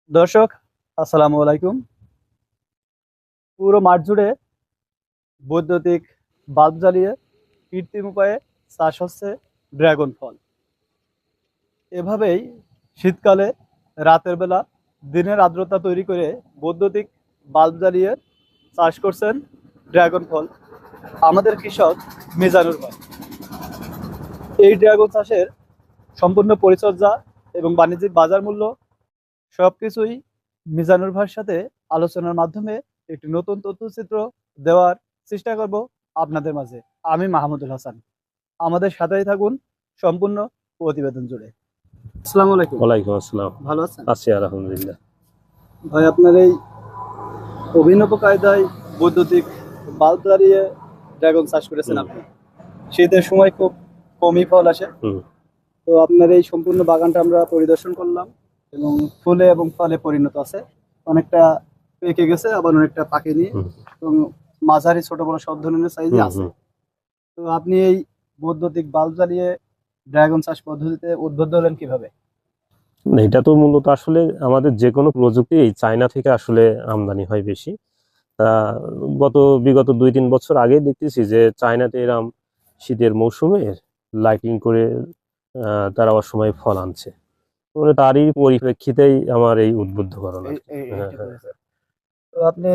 দর্শক, আসসালামু আলাইকুম। পুরো মাঠ জুড়ে বৈদ্যুতিক বাল্ব জ্বালিয়ে কৃত্রিম উপায়ে চাষ হচ্ছে ড্রাগন ফল। এভাবেই শীতকালে রাতের বেলা দিনের আর্দ্রতা তৈরি করে বৈদ্যুতিক বাল্ব জ্বালিয়ে চাষ করছেন ড্রাগন ফল আমাদের কৃষক মিজানুর ভাই। এই ড্রাগন চাষের সম্পূর্ণ পরিচর্যা এবং বাণিজ্যিক বাজার মূল্য সবকিছুই মিজানুর ভাইয়ের সাথে আলোচনার মাধ্যমে একটি নতুন তথ্যচিত্র দেওয়ার চেষ্টা করব আপনাদের মাঝে। আমি মাহমুদুল হাসান, আমাদের সাথেই থাকুন সম্পূর্ণ প্রতিবেদন জুড়ে। আসসালামু আলাইকুম। ওয়ালাইকুম আসসালাম। ভালো আছেন আছি আলহামদুলিল্লাহ। ভাই? আপনার এই অভিনব কায়দায় বৈদ্যুতিক বাল্ব জ্বালিয়ে ড্রাগন চাষ করেছেন আপনি। শীতের সময় খুব কমই ফল আসে। তো আপনার এই সম্পূর্ণ বাগানটা আমরা পরিদর্শন করলাম এবং ফুলে এবং ফলে পরিণত আছে। অনেকটা পেকে গেছে, আবার অনেকটা পাকেনি এবং মাঝারি ছোট বড় সব ধরনের সাইজে আছে। তো আপনি এই বৈদ্যুতিক বাল্ব জ্বালিয়ে ড্রাগন চাষ পদ্ধতিতে উদ্বুদ্ধ হলেন কিভাবে? এটা তো মূলত আসলে আমাদের যে কোনো প্রযুক্তি এই চায়না থেকে আসলে আমদানি হয় বেশি। বিগত 2-3 বছর আগে দেখতেছি যে চায়নাতে এরম শীতের মৌসুমে লাইটিং করে তারা অসময়ে ফল আনছে। মানে তারই পরিপ্রেক্ষিতেই আমার এই উদ্বুদ্ধকরণ আর কি। হ্যাঁ, হ্যাঁ। তো আপনি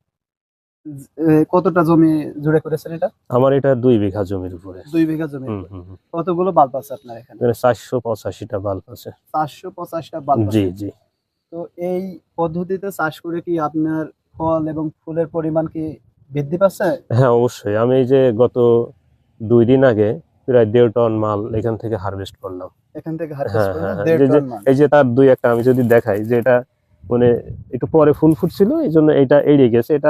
কতটা জমি জুড়ে করেছেন এটা? আমার এটা 2 বিঘা জমির উপরে। 2 বিঘা জমি। কতগুলো বাল্ব আছে আপনার এখানে? 485টা বাল্ব আছে। 485টা বাল্ব জি আছে। জি। তো এই পদ্ধতিতে চাষ করে কি আপনার ফল এবং ফুলের পরিমাণ কি বৃদ্ধি পাচ্ছে? হ্যাঁ, অবশ্যই। আমি এই যে গত 2 দিন আগে প্রায় 1.5 টন মাল এখান থেকে হারভেস্ট করলাম। এখান থেকে হারভেস্ট হ্যাঁ, করলেন হ্যাঁ, হ্যাঁ। 1.5 টন মাল। এই যে তার 2-1টা আমি যদি দেখাই যে এটা মানে একটু পরে ফুল ফুটছিল, এই জন্য এটা এড়িয়ে গেছে। এটা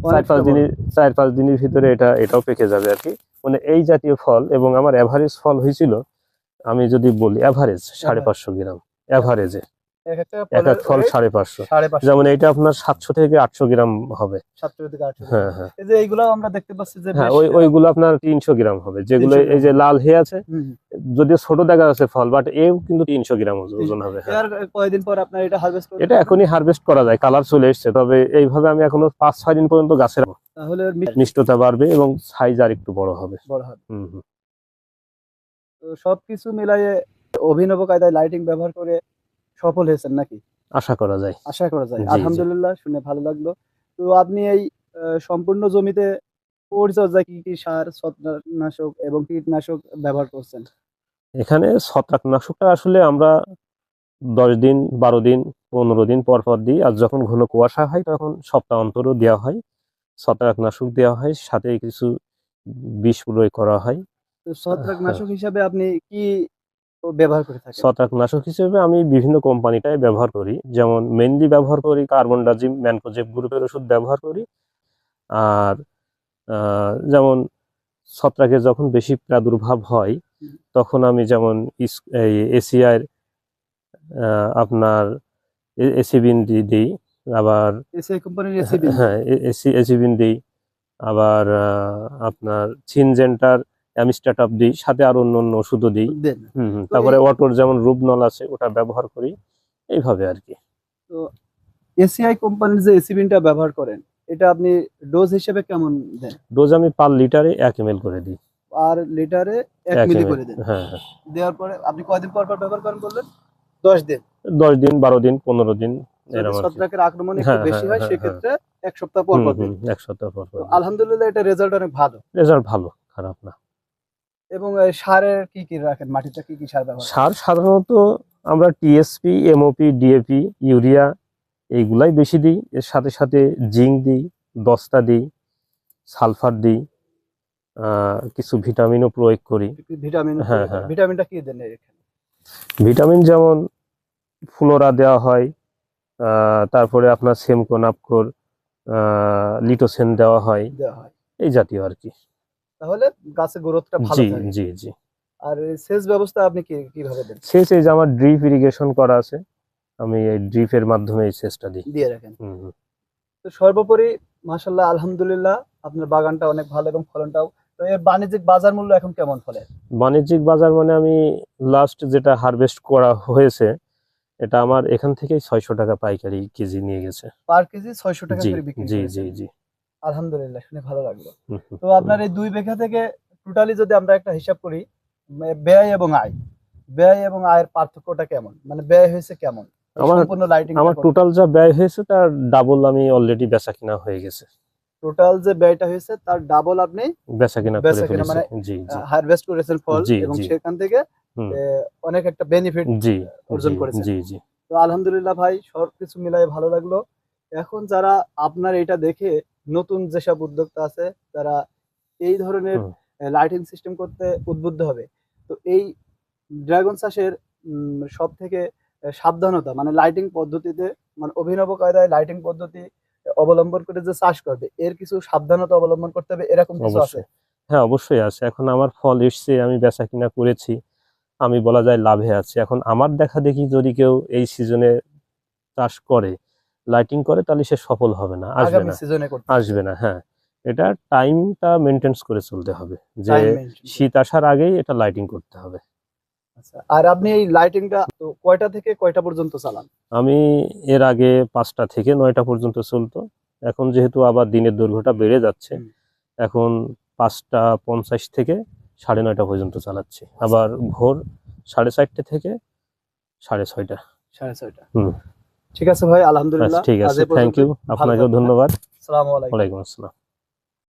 4-5 দিনের ভিতরে এটাও পেকে যাবে আর কি। মানে এই জাতীয় ফল, এবং আমার এভারেজ ফল হয়েছিল, আমি যদি বলি এভারেজ 550 গ্রাম এভারেজে। এক এক ফল 550। যেমন এটা আপনার 700 থেকে 800 গ্রাম হবে। 700 থেকে 800 গ্রাম। হ্যাঁ, হ্যাঁ। এই যে এইগুলো আমরা দেখতে পাচ্ছি যে হ্যাঁ, বেশ ওইগুলো আপনার 300 গ্রাম হবে, যেগুলো 300 এই যে গ্রাম। লাল হয়ে আছে। হুম। যদিও ছোট দেখা যাচ্ছে ফল, বাট এও কিন্তু 300 গ্রাম ওজন হবে। হ্যাঁ, এর কয়দিন পর আপনার এটা হারভেস্ট করতে এটা পারবেন? এখনই হারভেস্ট করা যায়, কালার চলে এসেছে। তবে এইভাবে আমি এখনো 5-6 দিন পর্যন্ত গাছে রাখবো। তাহলে এর মিষ্টতা বাড়বে এবং সাইজ আর একটু বড় হবে। বড় হবে। হুম হুম। তো সবকিছু মিলাইয়ে অভিনব কায়দায় লাইটিং ব্যবহার করে সফল হয়েছেন নাকি? আশা করা যায়। আশা করা যায়। জি জি। আলহামদুলিল্লাহ, শুনে ভালো লাগলো। তো আপনি এই সম্পূর্ণ জমিতে পরিচর্যায় কি, কি সার, ছত্রাকনাশক এবং কীটনাশক ব্যবহার করছেন? এখানে ছত্রাকনাশকটা আসলে আমরা 10 দিন, 12 দিন, 15 দিন পর পর দিই। আর যখন ঘন কুয়াশা হয় তখন সপ্তাহ অন্তরও দেওয়া হয়। ছত্রাকনাশক দেওয়া হয়, সাথে কিছু বিষ প্রয়োগ করা হয়। তো হ্যাঁ। ছত্রাকনাশক হিসাবে আপনি কি ব্যবহার করে থাকেন? ছত্রাকনাশক হিসেবে আমি বিভিন্ন কোম্পানিটাই ব্যবহার করি। যেমন মেইনলি ব্যবহার করি কার্বনডাজিম, ম্যানকোজেব গ্রুপের ওষুধ ব্যবহার করি। আর যেমন ছত্রাকের যখন বেশি প্রাদুর্ভাব হয়, তখন আমি যেমন এই এসিআর আপনার এসিবিন দিই। আবার এসিআই কোম্পানির এসিবিন? হ্যাঁ, এসিবিন দিই। আবার আপনার সিনজেন্টার, অ্যামিস্টাটপ দিই, সাথে আরো অন্য ওষুধও দিই। দেন। তো তারপরে অটোর যেমন রুবনল আছে, ওটা ব্যবহার করি। এইভাবে আর কি। তো এসিআই কোম্পানির যে এসিবিনটা ব্যবহার করেন, এটা আপনি ডোজ হিসেবে কেমন দেন? ডোজ আমি পার লিটারে 1 ml করে দিই। আর লিটারে 1 1 মিলি ml। করে দেন। হ্যাঁ, হ্যাঁ। দেওয়ার পরে আপনি কয়দিন পর পর ব্যবহার করেন বললেন? 10 দিন। 10 দিন, 12 দিন, 15 দিন, যদি এরকম আর কি। ছত্রাকের আক্রমণ একটু হ্যাঁ, বেশি হ্যাঁ, হয় হ্যাঁ, হ্যাঁ। সেক্ষেত্রে 1 সপ্তাহ পর পর দেন। 1 সপ্তাহ পর তো পর। আলহামদুলিল্লাহ, এটা রেজাল্ট অনেক ভালো। রেজাল্ট ভালো, খারাপ না। এবং এই সারের কি, কি রাখেন? মাটিতে কি, কি সার ব্যবহার করেন? সার সাধারণত আমরা টিএসপি, এমওপি, ডিএপি, ইউরিয়া এইগুলাই বেশি দিই। এর সাথে সাথে জিঙ্ক দিই, দস্তা দিই, সালফার দিই, কিছু ভিটামিনও প্রয়োগ করি। ভিটামিন? হ্যাঁ, হ্যাঁ। ভিটামিনটা কি দেন এখানে? ভিটামিন যেমন ফ্লোরা দেওয়া হয়, তারপরে আপনার সেমকোনাপকোর, লিটোসেন দেওয়া হয়, এই জাতীয় আর কি। তাহলে গাছের গ্রোথটা ভালো জি থাকে। জি জি। আর সেচ ব্যবস্থা আপনি কিভাবে দেন? সেচ এই যে আমার ড্রিপ ইরিগেশন করা আছে, আমি এই ড্রিপের মাধ্যমে এই সেচটা দিই। দিয়ে রাখেন। তো সর্বোপরি মাশাআল্লাহ, আলহামদুলিল্লাহ, আপনার বাগানটা অনেক ভালো এবং ফলনটাও। তো এর বাণিজ্যিক বাজার মূল্য এখন কেমন ফলের? বাণিজ্যিক বাজার মানে আমি লাস্ট যেটা হারভেস্ট করা হয়েছে, এটা আমার এখান থেকেই 600 টাকা পাইকারি কেজি নিয়ে গেছে। পার কেজি 600 টাকা জি করে বিক্রি জি করেছেন। জি জি। আলহামদুলিল্লাহ, শুনে ভালো লাগলো। হুম, হুম, তো আপনার এই 2 বিঘা থেকে টোটালি যদি আমরা একটা হিসাব করি, ব্যয় এবং আয়, ব্যয় এবং আয়ের পার্থক্যটা কেমন? মানে ব্যয় হয়েছে কেমন? এই আমার সম্পূর্ণ লাইটিংটা আমার করতে। টোটাল যা ব্যয় হয়েছে তার ডাবল আমি অলরেডি বেচা কিনা হয়ে গেছে। টোটাল যে ব্যয়টা হয়েছে তার ডাবল আপনি বেচা কিনা করে বেচা কিনা ফেলেছি। মানে জি জি হারভেস্ট করেছেন ফল জি এবং জি। সেখান থেকে হুম। অনেক একটা বেনিফিট জি অর্জন জি করেছেন। জি জি। তো আলহামদুলিল্লাহ ভাই, সবকিছু মিলাই ভালো লাগলো। এখন যারা আপনার এটা দেখে নতুন যেসব উদ্যোক্তা আছে তারা এই ধরনের হুম। লাইটিং সিস্টেম করতে উদ্বুদ্ধ হবে। তো এই ড্রাগন চাষের সবথেকে সাবধানতা মানে লাইটিং পদ্ধতিতে, মানে অভিনব কায়দায় লাইটিং পদ্ধতি অবলম্বন করে যে চাষ করবে এর কিছু সাবধানতা অবলম্বন করতে হবে, এরকম কিছু আছে? অবশ্যই। হ্যাঁ, অবশ্যই আছে। এখন আমার ফল এসছে, আমি বেচা কিনা করেছি। আমি বলা যায় লাভে আছি। এখন আমার দেখা দেখি যদি কেউ এই সিজনে চাষ করে, লাইটিং করে, তাহলে সে সফল হবে না, আসবে আগামী না, সিজনে করতে হবে। আসবে না। হ্যাঁ, এটা টাইমটা মেনটেন্স করে চলতে হবে যে টাইম মেনটেন করে। শীত আসার আগেই এটা লাইটিং করতে হবে। আচ্ছা, আর আপনি এই লাইটিংটা তো কয়টা থেকে কয়টা পর্যন্ত চালান? আমি এর আগে 5টা থেকে 9টা পর্যন্ত চলতো। এখন যেহেতু আবার দিনের দৈর্ঘ্যটা বেড়ে যাচ্ছে, হুম। এখন 5টা 50 থেকে 9:30 পর্যন্ত চালাচ্ছি। আবার ভোর 4:30 থেকে 6:30। 6:30। হুম। ঠিক আছে ভাই, আচ্ছা, আলহামদুলিল্লাহ। ঠিক আজ আছে। এ থ্যাংক পর্যন্তই। ইউ। ভালো আপনাকেও থাকবেন, হ্যাঁ? ধন্যবাদ। আসসালামু আলাইকুম। ওয়ালাইকুম আসসালাম।